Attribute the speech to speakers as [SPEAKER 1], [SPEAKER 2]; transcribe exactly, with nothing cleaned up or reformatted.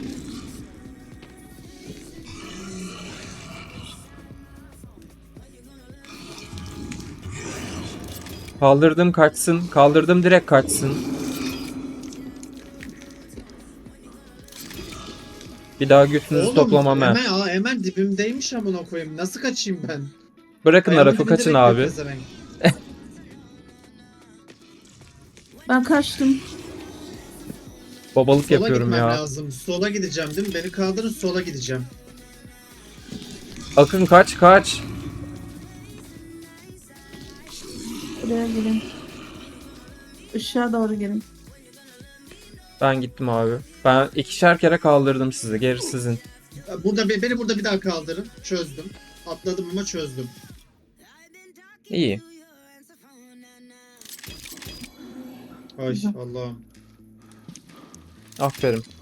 [SPEAKER 1] Kaldırdım kaçsın. Kaldırdım direkt kaçsın. Bir daha götünüzü
[SPEAKER 2] Oğlum
[SPEAKER 1] toplamam he.
[SPEAKER 2] hemen aa, hemen dibimdeymiş amına koyayım. Nasıl kaçayım ben?
[SPEAKER 1] Bırakın
[SPEAKER 2] Ayağımın
[SPEAKER 1] Araf'ı
[SPEAKER 2] dibinde
[SPEAKER 1] kaçın
[SPEAKER 2] bekliyor
[SPEAKER 1] abi.
[SPEAKER 2] pezevenk.
[SPEAKER 3] Ben kaçtım.
[SPEAKER 1] Babalık
[SPEAKER 2] Sola
[SPEAKER 1] yapıyorum
[SPEAKER 2] gitmem
[SPEAKER 1] ya.
[SPEAKER 2] lazım. Sola gideceğim değil mi? Beni kaldırın, sola gideceğim.
[SPEAKER 1] Akın kaç kaç.
[SPEAKER 3] Buraya gelin. Işığa doğru gelin.
[SPEAKER 1] Ben gittim abi. Ben ikişer kere kaldırdım sizi. Geri sizin.
[SPEAKER 2] Burada beni burada bir daha kaldırın. Çözdüm. Atladım ama çözdüm.
[SPEAKER 1] İyi.
[SPEAKER 2] Ay
[SPEAKER 3] Güzel.
[SPEAKER 2] Allah'ım.
[SPEAKER 1] Aferin.